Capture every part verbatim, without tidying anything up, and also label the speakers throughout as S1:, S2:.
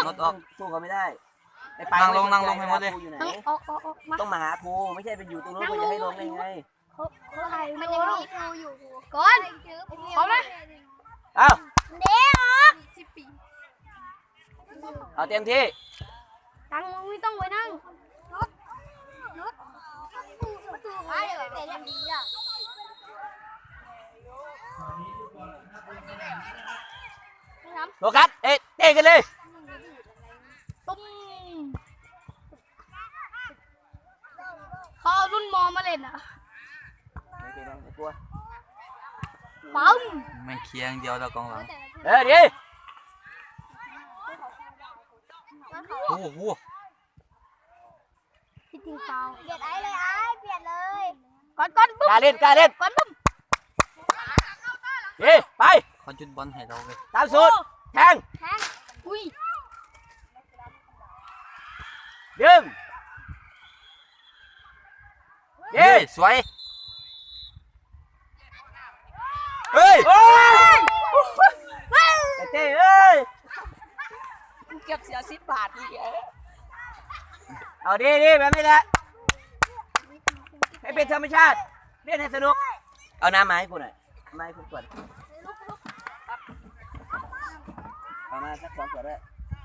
S1: รถออก
S2: สู้เขาไม่ได้
S1: นั่งลงนั่งลงให้หมดเลย
S2: ต้องมาหาครูไม่ใช่ไปอยู่ตรงนู้นก็จะให้ลงได้ไง
S3: มันยังมีครูอยู่ก่อนพร้อมนะ
S2: เอา
S3: เดี๋ยวสิบปี
S2: เอาเต็มที่
S3: ตั้งไม่ต้องไว้นั่งรถรถประตูไอ้เดี๋ยวเดี๋ยวนี้อ่ะ
S2: โฟกัสเอ๊ะเตะกันเลย
S3: ตุ้มเขาเอารุ่นมอมาเล่นอ่ะปั๊ม
S1: แม่งเคียงเดียวแล้วกองหลัง
S2: เออดี
S1: โอ้โห
S3: พี่ทิ้งฟาวเปลี่ยนไอ้เลยไอ้เปลี่ยนเลยก่อนก่อน
S2: กล้าเล่นกล้าเล่น
S3: ก่อนปุ๊บ
S2: ดีไป
S1: เขาจุดบอลให้เราเลย
S2: ตามสูตรแทง
S3: แทงอุ้ย
S2: ดึง
S1: ดีสวยเฮ้ย
S2: เต้เอ้ย
S3: เก็บเสียสิบบาทนี่
S2: เอาดีดีแบบนี้แหละให้เป็นธรรมชาติเล่นให้สนุกเอาน้ำมาให้กูหน่อยมาให้กูก่อนเอามาสักสองขวดด้วย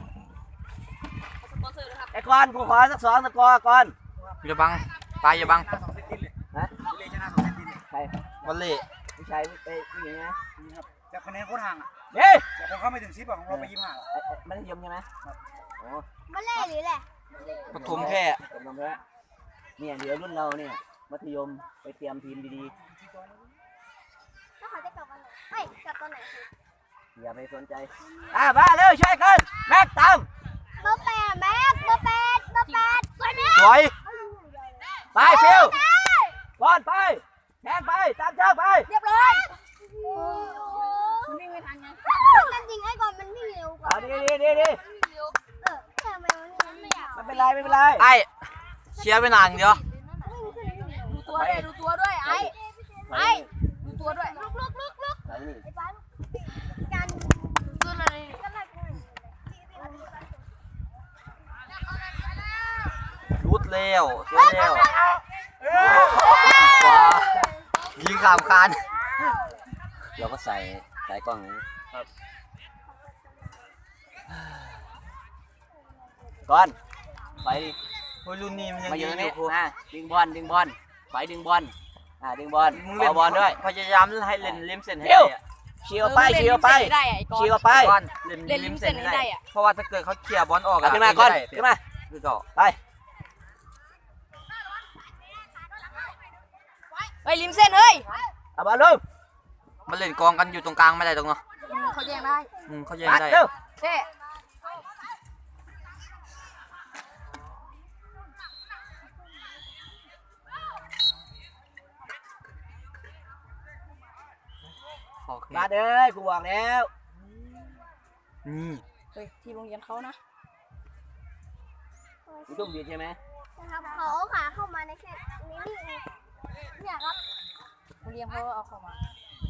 S2: ไอ้ก้อนกูขอสักสองตะกอก่อน
S1: อย่าบังปลายอย่าบัง
S2: ฮะใคร
S1: วันเล่
S2: ผู้ชายไอ้ผู้หญิงนะ
S4: จากคะแนนโคตรห่างอ่ะ
S2: เฮ้ย
S4: แต่ผมเข้าไม่ถึงสิบของเราไปยี่สิบห้า
S2: มันยมใช่ไหมโอ้
S3: มันเล่หรือแหละ
S1: ปฐมแค่
S2: ปฐมแค่เนี่ยเดี๋ยวรุ่นเราเนี่ยมัธยมไปเตรียมทีมดี
S3: ๆแล้วเขาจะกลับวันไหนเฮ้ยกลับตอนไหน
S2: อย่าไปสนใจอ่ะมาเร็วช่วยกันแม็กตาม
S3: เบอร์แปดแม็กเบอร์แปดเบอร์แปดสวยไหม
S1: สวย
S2: ไปฟิวบอลไปแทงไปตามเจ้าไป
S3: เรียบร้อยมันวิ่งไม่ทันไงมันจริงไอ้ก่อนมันวิ่งเร็วกว่า
S2: ดีดีดีดี
S3: เออทำไมมันไม่อยาก
S2: ไม่เป็นไรไม่เป็นไร
S1: ไอ้เชียร์ไปนานเดียว
S3: ดูตัวด้วยดูตัวด้วยไอ้ไอ้ดูตัวด้วยลุกลุกลุกลุกไอ้ป้าการตัวอะไร
S1: รุดเร็วสวยเร็วว้ายิงขามคาน
S2: เราก็ใส่ใส่กล้องนี้ครับก่อนไป
S1: โอ้ยรุ่นนี้มันยัง
S2: มาอยู่ตรงนี้
S1: ครู
S2: อ่ะดึงบอลดึงบอลไปดึงบอลอ่ะดึงบอลมึงเล่นบอลด้วย
S1: พยายามให้เล่นริมเส้นให้
S2: ได้เชียวไปเชียวไปเชียวไป
S1: เล่นริมเส้นให้ได้เพราะว่าถ้าเกิดเขาเคลียร์บอลออก
S2: ขึ้นมาก่อนขึ้นมา
S1: คือต่อ
S2: ไป
S3: ไปริมเส้นเฮ้ย
S2: เอาบอลลง
S1: มันเล่นกองกันอยู่ตรงกลางไม่ได้ตรงเนาะ
S3: เขาแย่งได้
S1: อืมเขาแย่งได้
S3: เท่
S2: มาเด้อกูบอกแล้ว
S1: นี่
S3: เฮ้ยที่โรงเรียนเขานะ
S2: กูต้องบีบใช่ไหม
S3: ครับเขาขาเข้ามาในแค่นี้นี่เนี่ยครับโรงเรียนเขาเอาเข้ามา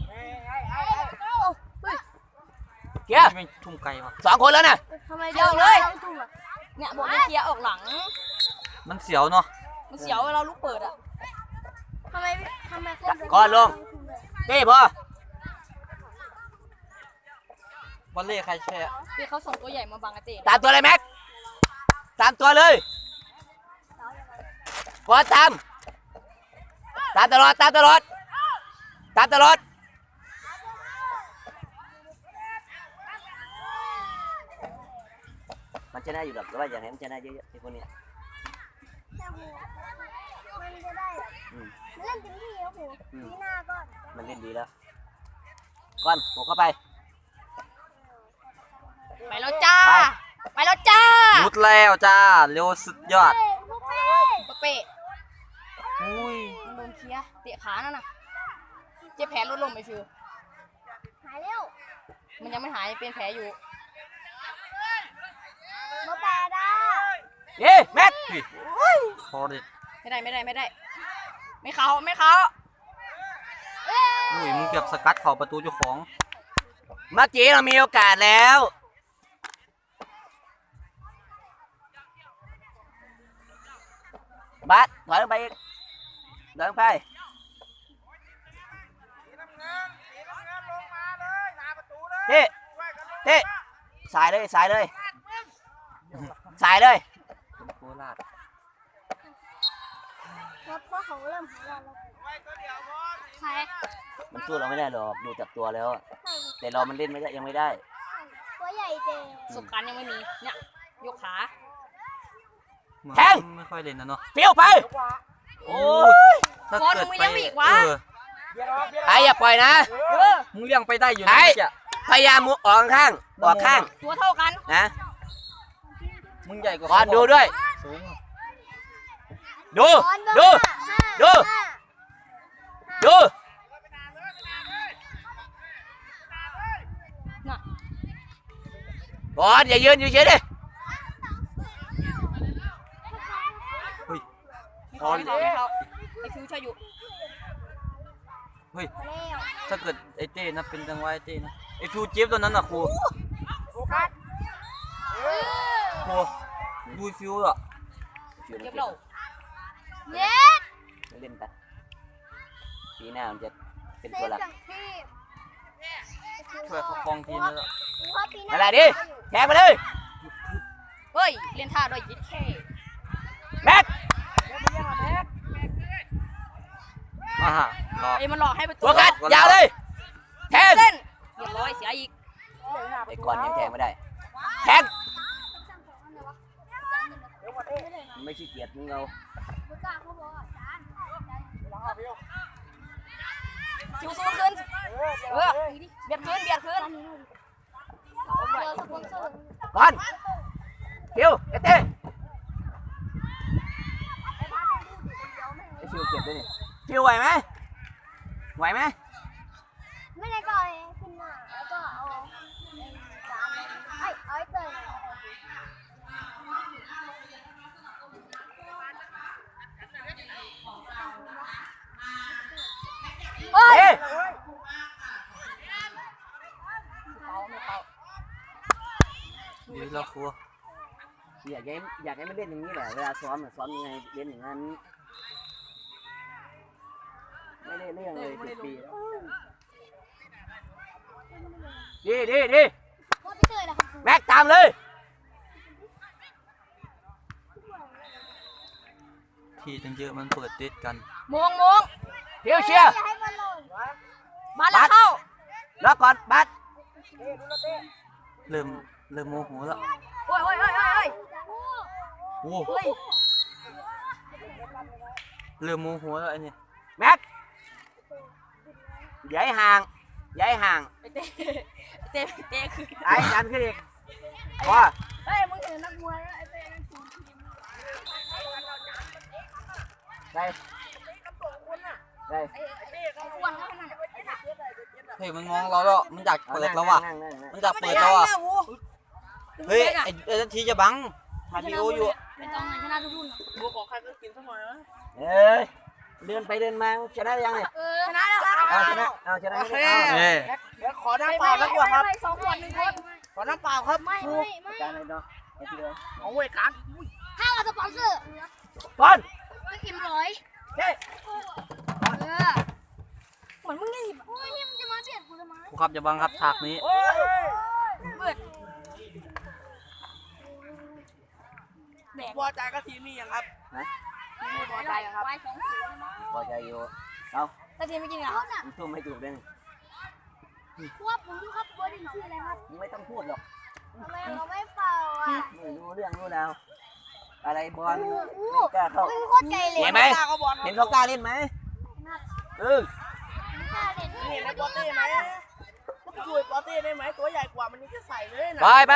S2: เกียร์
S1: ไม่ทุ่มไกลว่ะ
S2: สองคนแล้วนะ
S3: ทำไมเยอะเลยเนี่ยบอกให้เคลียร์ออกหลัง
S1: มันเสียวเนาะ
S3: มันเสียวเวลาลูกเปิดอ่ะทำไมทำไม
S2: ก่อนลงเต้พอ
S1: บอลเล่ใครแช่
S3: คือเขาส่งตัวใหญ่มาบังอาเต้
S2: ตามตัวเลยแม็กตามตัวเลยกดตามตามตลอดตามตลอดตามตลอดมันชนะอยู่หรอกแต่ว่าอย่างไรมันชนะเยอะๆไอ้คนนี้
S3: มันจะได้มันเล่นเต็มที่แล้วหูทีหน้าก็
S2: มันเล่นดีแล้วก้อนโผล่เข้าไป
S3: ไปแล้วจ้าไปแล้วจ้า
S1: ลุดแล้วจ้าเร็วสุดยอด
S3: ปะเปะ
S1: อุ้ย
S3: โดนเคลียร์เตะขานั่นน่ะเจ็บแผลลดลงไปฟิวหายแล้วมันยังไม่หายเป็นแผลอยู่โมแปดอ่ะ
S2: เย้แม็ก
S1: พอดิ
S3: ไม่ได้ไม่ได้ไม่ได้ไม่เขาไม่เขา
S1: อุ้ยมึงเกือบสกัดเข่าประตูเจ้าของ
S2: เมื่อกี้เรามีโอกาสแล้วบาสถอยลงไปอีกถอยลงไปเท่เท่สายเลยสายเลยสายเลย
S1: โคราช
S3: แล้วพ่อเขาเริ่มหาเราแล้วใคร
S2: มันสู้เราไม่ได้หรอกดูจากตัวแล้วอะแต่เรามันเล่นไม่ได้ยังไม่ได้
S3: ตัวใหญ่เจ
S5: ประสบการณ์ยังไม่มี เนี่ย ยกขา
S2: แทง
S1: ไม่ค่อยเล่นนะเนาะ
S2: เฟี้ยวไปโอ้ย
S1: ถ้า
S5: บอล
S1: เกิด
S5: มึง
S1: ไป
S5: ยังมีอีกวะ
S1: เออ
S2: ไอ้อย่าปล่อยนะ
S5: เออ
S1: มึงเลี้ยงไปได้อยู่นะ
S2: ไอ้
S1: เมื่อกี้
S2: พยายามมุดออกข้างออกข้าง
S5: ตัวเท่ากัน
S2: นะ
S1: มึงใหญ่กว่า
S2: ก่อนดูด้วย
S1: สูง
S2: ดูดูดู ดู
S5: น่ะ
S2: ก่อนอย่ายืนอยู่เฉยดิ
S1: เฮ้ย
S5: ไม่เขาไม่เขาไม่เขาไอฟิวช่วยอยู่
S1: เฮ้ยถ้าเกิดไอ้เต้นะเป็นจังหวะไอ้เต้นะไอ้ฟิวเจ็บตัวนั้นน่ะครูครูดูฟิวอ่ะ
S5: เก็บเรา
S3: เย็ด
S2: เล่นไปปีหน้ามันจะเป็น
S3: เซ
S2: ตัว
S3: ฟ
S2: หลัก
S3: อย่างที่
S1: ช่วยเขาครองทีมแล้ว
S3: พ่อปีหน้า
S2: อะไรดิแทงไปเลย
S5: เฮ้ย เล่นท่าด้วยยิดแค่
S2: แม็ก
S1: มาฮะรอ
S5: ไอ้มันหลอกให้ไป
S2: ตัวกัดยาวเลยแทง
S5: เส้นเรียบร้อยเสียอีก
S2: ไอ้ก่อนยังแทงไม่ได้แทงไม่ขี้เกียจมึงเอา
S5: ชิวสู้ขึ้น เออเบียดขึ้นเบียดขึ้น
S2: ก่อนคิวเอเต้ไอ้คิวเก็บด้วยนี่คิวไหวไหมไหวไหม
S3: ไม่ได้ก่อนขึ้นมาแล้วก็เอาจานไอ้เอาไอ้เตย
S2: เฮ้ย
S1: ดีแล้วครู
S2: อยากให้อยากให้มันเล่นอย่างนี้แหละเวลาซ้อมเนี่ยซ้อมยังไงเล่นอย่างนั้นไม่ได้เรื่องเลยสิบปีแล้วดีดีดี
S3: พ่อพี่เตยล่ะครับ
S2: แม็กตามเลย
S1: ทีตั้งเยอะมันเปิดติดกัน
S5: มงมง
S2: คิวเชียร์
S3: อย่าให้มันหล่น
S5: มาแล้วเข้า
S2: แล้วก่อนบัส
S1: เริ่มเริ่มโมโหแล้ว
S5: โอ้ยโอ้ยโอ้ยโอ้ย
S1: โอ้
S5: เฮ้ย
S1: เริ่มโมโหแล้วไอ้นี่
S2: แม็กอย่าให้ห่างอย่าให้ห่าง
S5: ไอเต้ไอเต้เต้คือ
S2: ไอ้ดันขึ้นอีกพอ
S3: เฮ้ยมึงเห็นนักมวยแล้วไอ้เตยนั่นทีม
S2: ไปไป
S3: อ้วนแล้วขนาด
S1: เฮ้ยมันมองเราแล้วมันอยากเปิดเราว่ะ
S2: นั่งนั่งนั่ง
S1: มันอยากเปิดเราอ่ะเฮ้ยไอ้ไอ้นาทีจะบังถ่ายวีดีโออยู่
S5: ไม่ต้องเลยชนะทุกรุ่น
S1: บัวของใครก็กินสักหน่อยนะ
S2: เอ้ยเดินไปเดินมาชนะยังเนี่ย
S5: เออชนะแล้วครับ
S2: เอาชนะเอาชนะไม่ได้เอา
S1: เอ้ย
S4: เดี๋ยวขอน้ำเปล่าแล้วกว่าครับ
S3: สองคนหนึ่งคน
S4: ขอน้ำเปล่าครับ
S3: ไม่ไม่ไม่
S2: การเลยเนาะไอ้ที่เดิม
S4: เอาไว้กัน
S3: ถ้าเราสปอนเซอร์
S2: บอล
S3: ก็อิ่มร้อย
S2: เฮ้ย
S3: เออเหมือนมึงไงโอ้ยนี่มันจะมาเบียดกูทำไม
S1: ครูครับจะบังครับฉากนี้
S5: เปิด
S4: พอใจกับทีมนี้ยังครับ
S5: ไม่พอใจครับ
S3: ไว้สองศูนย์
S2: พอใจอยู่เอา
S5: ถ้าทีมไม่กินเหรอ
S3: เขาน่ะ
S2: ทุ่มไม่ถูกเลย
S3: ว่าผมรู้ครับว่านี่ชื่ออะไรครับ
S2: มึงไม่ต้องพูดหรอก
S3: ทำไมเราไม่เป่าอ่ะ
S2: ไม่รู้เรื่องรู้ราวอะไรบอลไม่กล้าเข้า
S3: มึงโคตรใจเลย
S2: เห็นไหมเห็นเขากล้าเล่นไหมเออ
S4: เห็นในปอเต้ไหมก็ช่วยปอเต้ได้ไหมตัวใหญ่กว่ามันนี่จะใส่เลยนะ
S2: ไปไป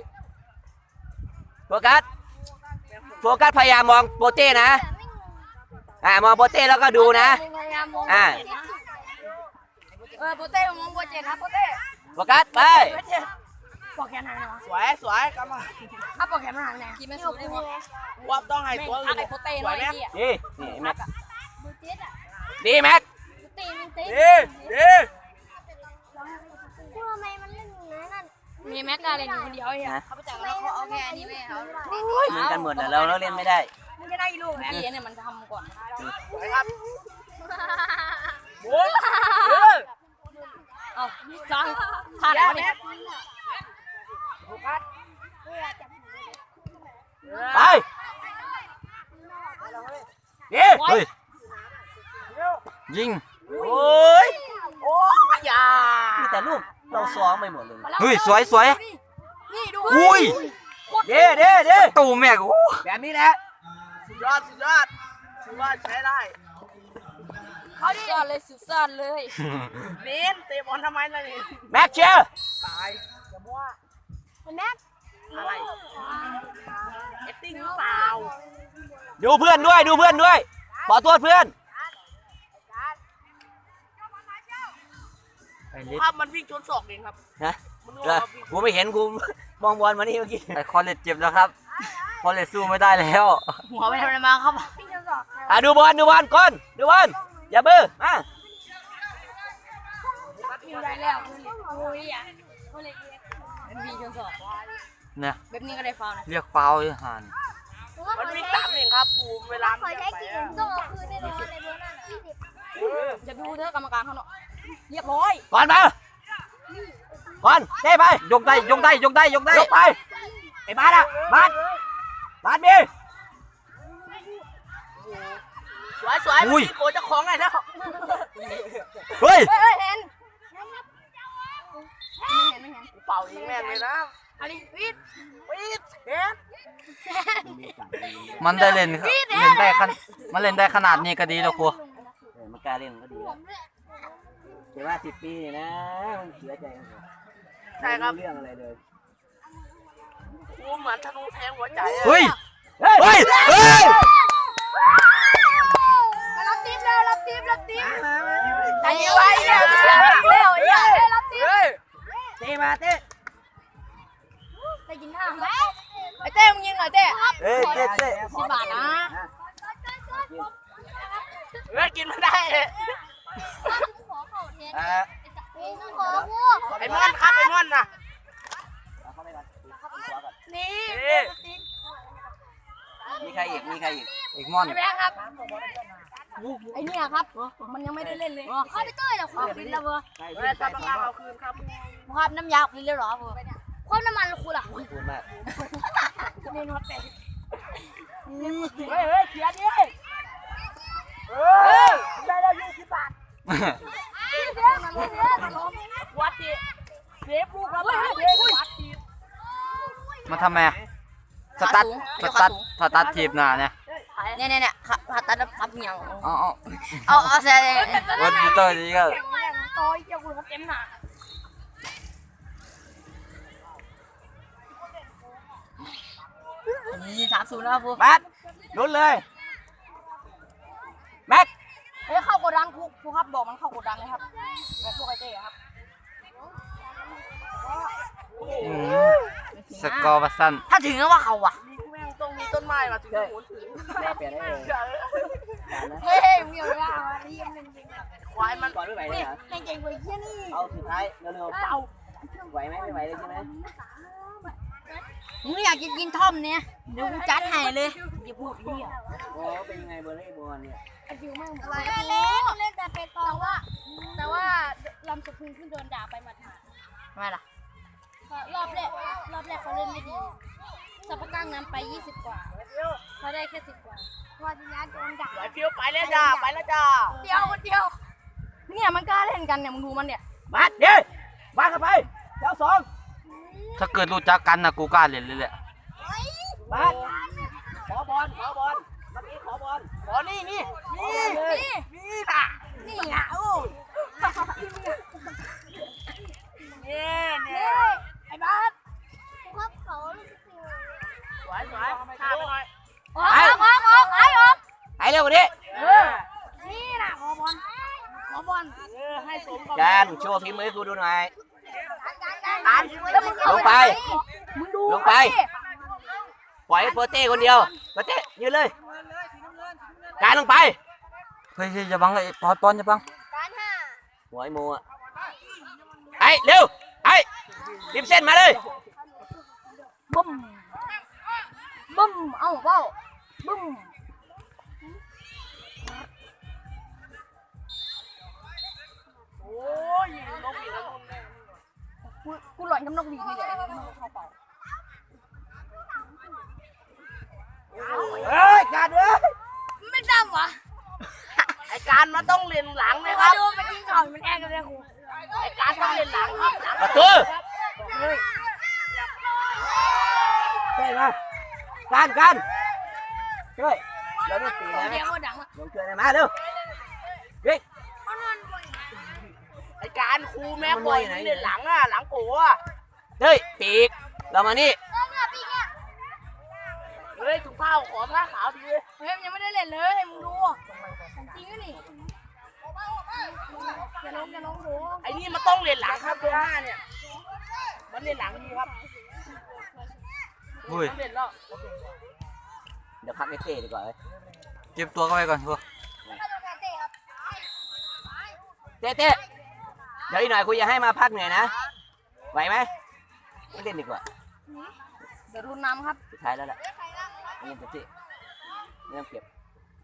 S2: โฟกัสโฟกัสพยายามมองโปเต้นะอ่ามองโปเต้แล้วก็ดูนะ อ่า
S5: เออโปเต้มองโปเจนะโปเต้
S2: โฟกัสไป
S5: โปเจปอกแขนหางเลยวะ
S4: สวยสวยกลับมา
S5: ถ้าปอกแขนมันหางไงกินไม่สูได้หมด
S4: ว่าต้องให้
S5: แม่ง
S4: ตัว
S5: อั
S4: อื่
S5: ก
S4: น
S5: ไอโปเต้หน่อยไอ้เหี้ย
S2: ดีนี่แม็ก
S3: บูเจ็ตอ่ะ
S2: ดีแม็ก
S3: ตีมันตี
S4: ดีดี
S3: พูดทำไมมันเล่นอย่างนั้น
S5: มีแม็กกาเลนอยู่คนเดียวไอ้เหี้ยเขาไปจับแล้วเขาเอาแค่อันนี้ไม่เอา
S2: เหมือนกันหมดแหละเราเราเล่นไม่ได้
S3: เมึงจะได้ลูก
S5: พี่เนี่ยมันทำก่อน
S4: ไปครับหมุนเออ
S5: เอาจ้างท่าไหนวะเนี่ย
S4: โฟกัส
S2: ไปเฮ้ย
S1: เฮ้ยยิง
S2: โอ้ย
S4: โอ้ยอย่า
S2: มีแต่ลูกเราซ้อมไปหมดเลย
S1: เฮ้ยสวยสวย
S5: นี่ดู
S1: อุ้ย
S2: เด้เด้เด้
S1: ตูแม่กู
S2: แบบนี้แหละ
S4: สุดยอดสุดยอดถือว่าใช้ได้
S5: เขาดิซ่อนเลยสุดซ่อนเลย
S4: เน้นเตะบอลทำไมล่ะนี่
S2: แม็กเชียร์
S4: ตายอย่ามั่ว
S3: แม็ก
S4: อะไรเอตติ้งหรือเปล่า
S2: ดูเพื่อนด้วยดูเพื่อนด้วยขอโทษเพื่อน
S1: ไอ้ลิศ
S4: ภาพมันวิ่งชนศอกเองครับ
S2: ฮะ
S4: มัน
S2: เออกูไม่เห็นกูมองบอลมานี่เมื่อกี้
S1: ไอ้คอลเลตเจ็บแล้วครับคอลเลตสู้ไม่ได้แล้ว
S5: หัวไปทำอะไรมาครับ
S3: พี่จะสอบ
S2: อ่ะดูบอลดูบอลก่อนดูบอลอย่าเบื่อมา
S5: อยู่ได้แล้วโอ้ยอ่ะเป็นวีจนสอบ
S1: เนี่ย
S5: แบบนี้ก็ได้ฟาวนะ
S1: เรียกฟาวล์ไอ้ห่าน
S4: มันวิ่งตามเองครับภูมิเวลา
S3: ขอใช้กี่ต้องเอาคืนแน่นอนในเบอร์นั้นยี่สิบ
S5: จะดูเถอะกรรมการเขาเนาะเรียบร้อย
S2: บอลมาบอลเต้ไป
S1: ยกได้ยกได้ยกได้ยกได้
S2: ยกไปไอ้บาสอ่ะบาสบาสมี
S4: สวยสวยมันมีโกจะคล้องไงแล้ว
S1: เฮ้ย
S5: เฮ้ยเห็นไม่เห็นไม่เห็น
S4: เป่ายิงแม่งเลยนะ
S5: อะไรวิท
S4: ปี๊ดเห็น
S1: มันได้เล่นครับเล่นได้ขนมันเล่นได้ขนาดนี้ก็ดีแล้วครู
S2: เออมันกล้าเล่นมันก็ดีแล้วแต่ว่าสิบปีเนี่ยนะมันเสียใจกันหมด
S4: ใช่ครับ
S2: ไม่รู้เรื่องอะไรเลย
S4: ภูมิเหมือนธนูแทงหัวใจอะ
S1: เฮ้ย
S2: เฮ้ย
S1: เฮ้ยเฮ้ย
S3: มารับทีมเร็วรับทีมรับทีม
S5: ใจไว้เนี่ยเสียเร็วไอ้เหี้ย
S3: รับทีม
S4: เฮ้ย
S2: เต้มาเต้
S3: ไปกินข้าวไหม
S5: ไอ้เต้มึงยิงหน่อยเต้
S2: เฮ้ยเต้เต้
S5: สิบบาทนะ
S4: เฮ้ยกินไม่ได้
S3: ขอเข่าเทน
S2: อ่า
S3: ขอวัว
S4: ไอ้มอนครับไอ้มอนน่ะ
S2: เอาเข้าไปก่อนเข้าไปขวาก่อน
S3: นี่
S4: นี่
S2: มีใครอีกมีใครอีก
S1: อีกม่อน
S5: ไอ้แบงค์ครับไอ้เนี่ยครับมันยังไม่ได้เล่นเลย
S3: เข้าไปเต้ยเหรอความเป็นระเบิด
S2: ใคร
S4: เฮ้ยกรรมการเอาคืนครับ
S5: ครับน้ำยาคุณเรียบร้อยเพื่อ
S3: ความน้ำมันคุณล่ะ
S2: พูดมาก
S5: เมนูแต่
S4: เฮ้ยเฮ้ยเขียนดิเฮ้ยได้แล้วยี่สิบบาทวัดดิเซฟลูกครับเซฟวัดดิ
S1: มาทำไมอะสตาร์ทสตาร์ทสตาร์ททีบหน้าเนี่ย
S5: เนี่ยเนี่ยเนี่ยผ่าตัดทับเหนียว
S1: เอาเอา
S5: เอาเอาแซ่
S1: วันนี้ตัวนี้ก็
S5: โต้ยเจ้าคุณเต็มหนานี่สามศูนย์แล้วพู
S2: แม็กลุ้นเลยแม็ก
S5: เฮ้ยเข้ากดดันครูครูครับบอกมันเข้ากดดันเลยครับแบบพวกไอเต้ครับ
S1: อืมสกอร์บัสซัน
S5: ถ้าถึงก็ว่าเขาอ่ะ
S4: นี่แม่งต้องมีต้นไม้มาถึงจะหมุนถึง
S2: แม่เปลี่ยนได้เลย
S5: เฮ้ยมีอะไรอ่ะนี่ยังหนึ่ง
S4: ควายมัน
S2: ก่อนไม่ไหวเลยเหรอ
S3: เก่งกว่าเยี่ยนี่
S2: เอาสุดท้ายเร็วๆเอาไหวไหมไม่ไหวเลยใช่ไหม
S5: มึงอยากจะกินท่อมเนี่ยเดี๋ยวกูจัดให้เลยอย่าพูดเหี้ย
S2: โอ้เป็นยังไงเบอร์รี่บอลเนี่ย
S3: อะไรเล่นเล่นแต่เป็นตองว่า แต่ว่าลำสะพึงขึ้นโดนด่าไปหมัด
S5: ทำไมล่ะ
S3: รอบแรกรอบแรกเขาเล่นไม่ดีสัปปะกังนำไปยี่สิบกว่าเขาได้แค่สิบกว่าพอทีนี้โดนด่า
S4: ไหวฟิวไปแล้วจ้าไปแล้วจ้า
S3: เดียวคนเดียว
S5: เนี่ยมันกล้าเล่นกันเนี่ยมึงดูมันเนี่ย
S2: มาเดี๋ยวมาเข้าไปเจ้าสอง
S1: ถ้าเกิดรู้จักกันนะกูกล้าเล่นเลยแหละ
S2: มาขอบอลขอบอลเมื่อกี้ขอบอล
S4: ขอนี่นี่นี่
S3: นี่
S4: นี่น่ะ
S3: นี่อ่ะโอ้
S4: นี่นี่
S3: ไอ้บ้าครับเขา
S4: สวยสวยข้าไปหน่อย
S3: ออกออกออกไอ้ออก
S2: ไอ้เร็วกว่านี้
S4: เออ
S3: นี่นะขอบอลขอบอล
S4: เออให้สมกับ
S2: แกนโชว์ฝีมือให้กูดูหน่อย
S3: การ
S2: ลงไป
S3: มึงดู
S2: ลงไปปล่อยให้โปเต้คนเดียวโปเต้ยืนเลยการลงไป
S1: เฮ้ยอย่าบังเลยปอนปอนอย่าบัง
S3: การห้า
S2: หัวไอ้โมอ่ะไอ้เร็วไอ้ริมเส้นมาเลย
S5: บึ้มบึ้มเอ้าเว้า
S3: บึ้ม
S4: โอ้ยนกอีกแล้วนุ่นแม่
S3: กูกูหลอนกับนกหวีดนี่แหละนกเข้าเป่า
S2: เฮ้ยการเอ้ย
S3: ไม่ดำวะ
S4: ไอการมันต้องเรียนหลังนะค
S3: มา
S4: รับ
S3: ดูมันยิงก่อนมันแอกกันเลยครู
S4: ไอการต้องเรียนหลังครับหลัง
S2: ประตูใช่ไหมการการช่วยเราไม่ตีนะ
S3: เสียงมันดังอ่ะ
S2: ลงเกลือมาเร็ววิ่ง
S4: ไอการครูแม่ปล่อยเรียนหลังอ่ะหลังโก้อ่ะ
S2: เฮ้ยปีกเรามานี่
S4: เฮ้ยถุงเท้าขอผ้าขาวดีเลย
S3: เฮ้ยมันยังไม่ได้เล่นเลยมึงดูของจริงอ่ะนี่อย่าลงอย่าลงดู
S4: ไอนี่มันต้องเรียนหลังครับเบอร์ห้าเนี่ยมันเรียนหลังดีครับ
S1: อุ้ย
S4: มันเรียนแล้ว
S2: เดี๋ยวพักไอ้เต้ดีกว่า
S1: เก็บตัวเข้าไปก่อนครู
S2: เต้เต้เดี๋ยวอีกหน่อยคุยจะให้มาพักเหนื่อยนะไหวไหมไม่เล่นดีกว่า
S3: เดี๋ยวรุนน้ำครับ
S2: สุดท้ายแล้วแหละเงินเต็มที่ไม่ต้องเก็บ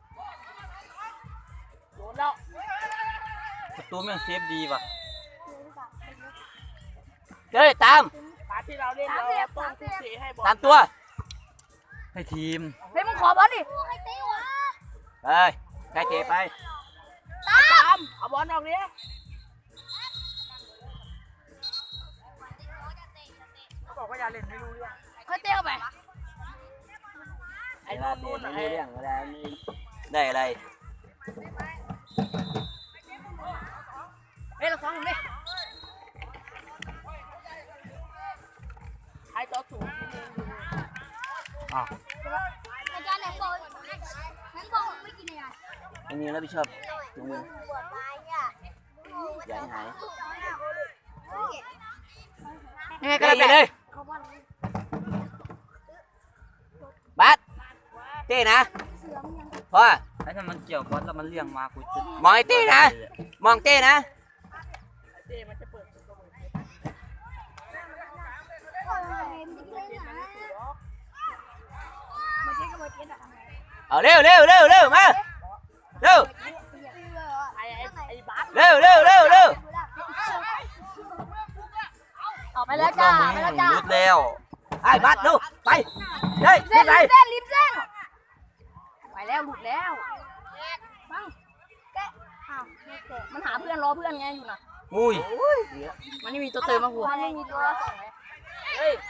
S4: โดนแล้ว
S1: ประตูแม่งเซฟดีว่ะ
S2: เฮ้ยตาม
S4: ปาที่เราเล่นเราต้องทุ่มเทให้บอล
S2: ตามตัว
S1: ให้ทีม
S3: เฮ้ยมึงขอบอลดิ
S2: เฮ้ยใครเตะไป
S4: ตามเอาบอลออกนี้ เขาบอกว่าอย่าเล่นไม่รู้เรื่อง
S3: ค่อยเตะเข้าไป
S4: ไอ้
S2: เว
S4: นู่
S2: ลาน เตะ
S4: นู่น
S2: ไม่
S4: ไอ้
S2: รู้เรื่องเวลาไม่ได้อะไร
S3: เฮ้ยเราซ้อมดิ
S4: ไอ้ตัวสูง
S1: อ้าว
S3: อาจารย์ไหนบอกนั้นบอกไม่กินอะไร
S2: อันนี้รับผิดชอบถุงมืออย่าให้หาย
S3: ยังไงก็
S2: เต้
S3: ได้
S2: ยิงเลยบัสเต้นะพ่อ
S1: ไอ้ถ้ามันเกี่ยวบอลแล้วมันเลี่ยงมากูจะ
S2: มองไอ้เต้นะ มองเต้นะ
S4: เต้มันจะเปิดตัวมือ
S2: เอาเร็วเร็วเร็วเร็วมาเร็ว
S4: ไอ้ไอ้ไอ้บาส
S2: เร็วเร็วเร็วเร็ว
S3: ออกไปแล้วจ้าไปแล้วจ้า
S1: รุดแล้ว
S2: ไอ้บัสดูไปเฮ้ย
S3: เส้
S2: ขึ้
S3: น
S2: นไป
S3: ริมเส้นริมเส้นไปแล้วหลุดแล้วบังแกะอ้าวไม่แกะมันหาเพื่อนรอเพื่อนไงอยู่น่ะ
S1: อุ้ย
S3: มันไม่มีตัวเติมมาหัวมันไม่มีตัวส่งเลย
S4: เฮ้ย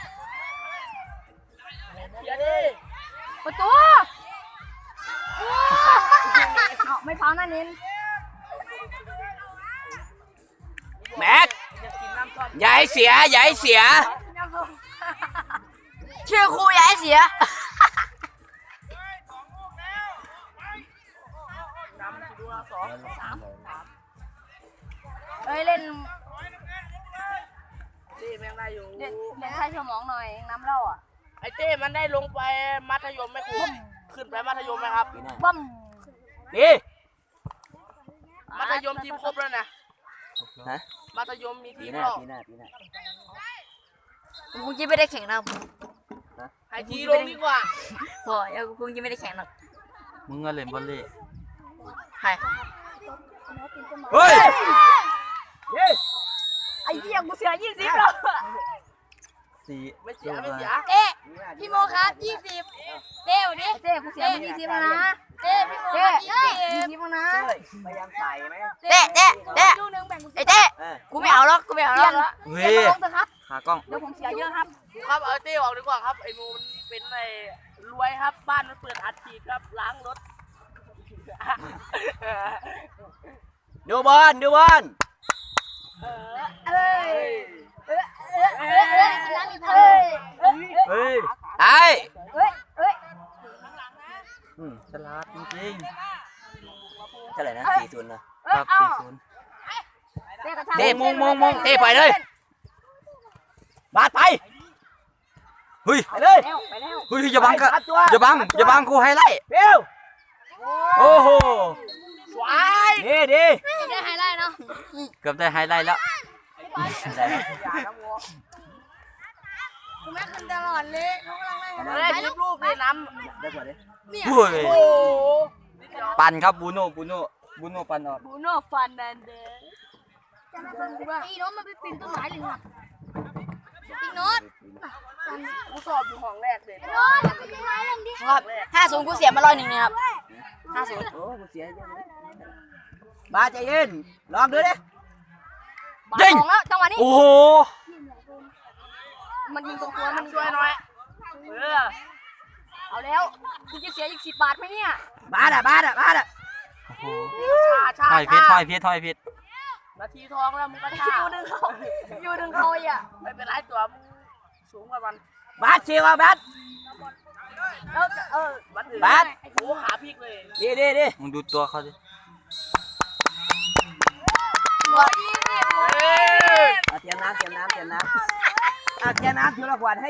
S4: เดี๋ยวดิ
S3: ประตูเอาไม่เผาหน้านิน
S2: แม็ก
S4: อยากกินน้ำส้ม
S2: อย่าให้เสียอย่าให้เสีย
S3: ชื่อครูอย่าให้เสีย
S4: น้ำกี่ดูนะสองสามสาม
S3: เอ้ยเล่น
S4: เต้แม่งได้อยู่
S3: เล่นเล่นใช้สมองหน่อยน้ำเหล้าอ่ะ
S4: ไอ้เต้มันได้ลงไปมัธยมไหมครูขึ้นไปมัธยมไหมครับ
S3: บั้ม
S2: ดี
S4: มัธยมทีมครบแล้วนะ
S2: ฮะ
S4: มัธยมมี
S2: ปี
S4: ทีม
S2: หน้า
S4: แล้ว
S2: ปีหน้าปีหน้า
S5: กูยังไม่ได้แข่งนะ
S4: ไอทีลงดีกว่า
S5: พอยังกูยังไม่ได้แข่งหรอก
S1: มึงก็เล่นบอลเล่
S5: ใคร
S2: เฮ้ยเฮ้ย
S3: ไอ้เหี้ยกูเสียยี่สิบแล้ว
S1: สี่
S4: ไม่เสียไม่เสีย
S3: เอ๊ะพี่โมครับยี่สิบเต้วดิเต้กูเสียยี่สิบแล้วนะเต้พี่โมครับยี่สิบยี่สิบแล้วนะ
S2: เฮ้ยพยายามใส่ไหม
S5: เต้เต้เต้
S3: ลูกนึงแบ่งกู
S5: ไอ้เต้
S2: เออ
S5: กูไม่เอาหรอกกูไม่เอาหร
S3: เรีย
S5: อก
S3: นละ
S1: เฮ้
S3: เรียน
S1: ย
S3: มาลงเถอะครับ
S1: ขากล้อง
S3: เดี๋ยวผมเสียเยอะครับ
S4: ครับเอาเต้ออกดีกว่าครับไอ้หนูมันเป็นไอ้รวยครับบ้านมันเปิดอัดฉีดครับล้างรถ
S2: ดูบอลดูบอล
S4: เออ
S3: เอ้ยเอ้ยเอ้ยเอ้ยเอ้ยเอ้ยเอ้ย
S1: เฮ้ย
S2: ไอ้
S3: เอ้ยเอ้ย
S1: อืมฉลาดจริง
S2: เท่าไหร่นะสี่ศูนย์นะ
S1: ๆครับสี่ศูนย์
S3: เต้กระชาก
S2: เต้มงมงมงเต้ปล่อยเลยบาดไป
S1: เฮ้ย
S2: ไปเลย
S3: แล้วไปแล้ว
S1: เฮ้ยอย่าบังกะ
S2: บาดตัว
S1: อย่าบัง
S2: บดตัว
S1: อย่าบังกูไฮไลท์
S2: เร็ว
S1: โอ้โห
S4: สวย
S2: ดีดี
S3: ได้ไฮไลท์เนาะ
S1: เกือบได้ไฮไลท์แล้ว
S2: ได้
S4: อย่านะวัว
S3: กูแม่ขึ้นตลอดเลยเขากำลังไล่
S4: เฮ้ยคลิปรูปเลยน้ำ
S2: ได้กว่าดิ
S3: เนี่ย
S1: โอ้ย
S4: โอ้โห
S1: ปั่นครับบูโน่บูโน่บูโน่ปั่นออก
S5: บูโน่ฟันนันเดอร์
S3: อีโน้ตมันไปปีนต้นไม้เลยครับอีโน้ต
S4: กูสอบอยู่ห้องแรกเลย
S3: โน้ตปีนต้นไม้เล่นดิ
S5: ครับห้าศูนย์กูเสียมาร้อยหนึ่งนะครับห้าศูนย์
S2: โอ้กูเสียเยอะเลยบ้าใจเย็นลองดูดิ
S5: บาทสองแล้วจังหวะนี้
S1: โอ้โห
S5: มันยิงตรงตัวมัน
S4: ช่วยหน่อยเออ
S5: เอาแล้วกูจะเสียอีกสิบบาทไหมเนี่ย
S2: บ้าอ่ะบ้าอ่ะบ้าอ่ะ
S1: โอ้โห
S4: ชาชา
S1: ถอยเพชรถอยเพชรถอยเพชร
S4: นาทีทองแล้วมึงก็ชา
S5: ยูดึงเขายูดึงเขาอ่ะ
S4: ไม่เป็นไรตัวมึงสูงกว่ามัน
S2: บ้าชิวอ่ะบ้า
S5: เออเออ
S4: บัดอื่น
S2: บัด
S4: โอ้ขาพลิกเลย
S2: ดีดีดี
S1: มึงดูตัวเขาดิ
S5: หมดยี่สิบ
S4: เฮ้ย
S2: เอาเตรียมน้ำเตรียมน้ำเตรียมน้ำเอาเตรียมน้ำทีละขวดให้